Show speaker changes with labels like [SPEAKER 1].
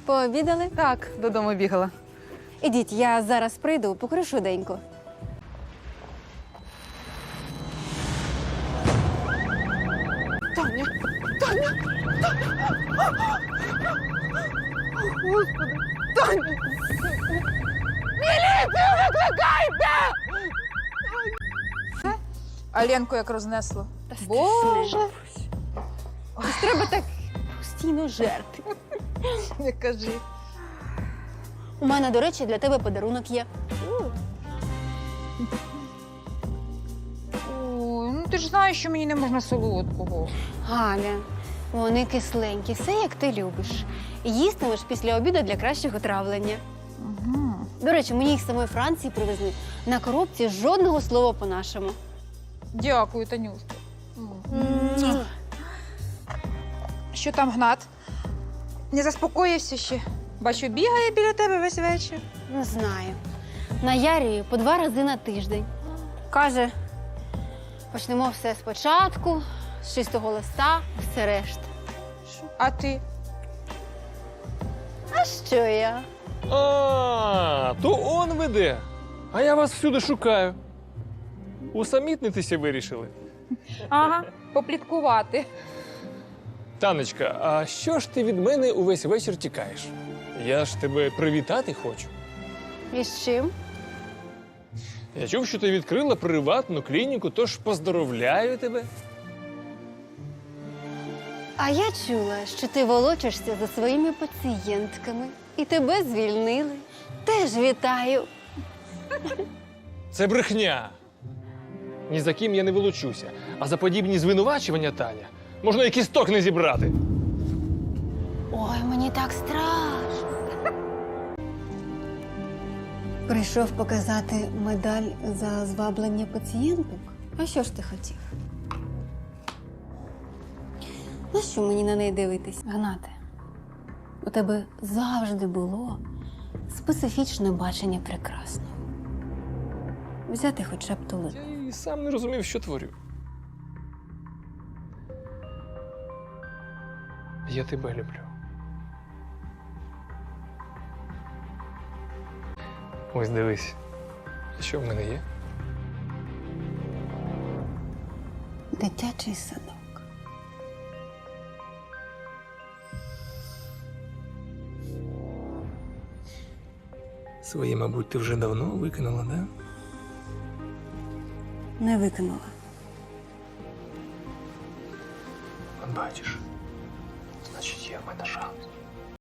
[SPEAKER 1] Пообідали?
[SPEAKER 2] Так, додому бігала.
[SPEAKER 1] Ідіть, я зараз прийду, покажу швиденько.
[SPEAKER 2] Таня! Таня! Господи! Таня! Міліцію викликайте! А Ленку як рознесло. Боже!
[SPEAKER 1] Ось треба так постійно жерти.
[SPEAKER 2] Не кажи.
[SPEAKER 1] У мене, до речі, для тебе подарунок є.
[SPEAKER 2] Ой, ну ти ж знаєш, що мені не можна солодкого.
[SPEAKER 1] Галя, вони кисленькі, все як ти любиш. Їстимеш після обіду для кращого травлення.
[SPEAKER 2] Угу.
[SPEAKER 1] До речі, мені їх з самої Франції привезли. На коробці жодного слова по-нашому.
[SPEAKER 2] Дякую, Танюшка. Що там Гнат? Не заспокоївся ще? Бачу, бігає біля тебе весь вечір.
[SPEAKER 1] Не знаю. Наярює по 2 рази на тиждень. Каже, почнемо все спочатку, з чистого листа, все решта.
[SPEAKER 2] А ти?
[SPEAKER 1] А що я?
[SPEAKER 3] А, то он веде. А я вас всюди шукаю. Усамітнитися вирішили.
[SPEAKER 2] Ага, попліткувати.
[SPEAKER 3] Танечка, а що ж ти від мене увесь вечір тікаєш? Я ж тебе привітати хочу.
[SPEAKER 1] І з чим?
[SPEAKER 3] Я чув, що ти відкрила приватну клініку, тож поздоровляю тебе.
[SPEAKER 1] А я чула, що ти волочишся за своїми пацієнтками. І тебе звільнили. Теж вітаю.
[SPEAKER 3] Це брехня. Ні за ким я не волочуся. А за подібні звинувачування, Таня, можна і кісток не зібрати.
[SPEAKER 1] Ой, мені так страшно. Прийшов показати медаль за зваблення пацієнток? А що ж ти хотів? На що мені на неї дивитись? Гнате, у тебе завжди було специфічне бачення прекрасного. Взяти хоча б ту лику.
[SPEAKER 3] Я і сам не розумів, що творю. Я тебе люблю. Ось дивись, що в мене є.
[SPEAKER 1] Дитячий садок.
[SPEAKER 3] Свої, мабуть, ти вже давно викинула, да?
[SPEAKER 1] Не викинула.
[SPEAKER 3] От бачиш, значить, є в мене шанс.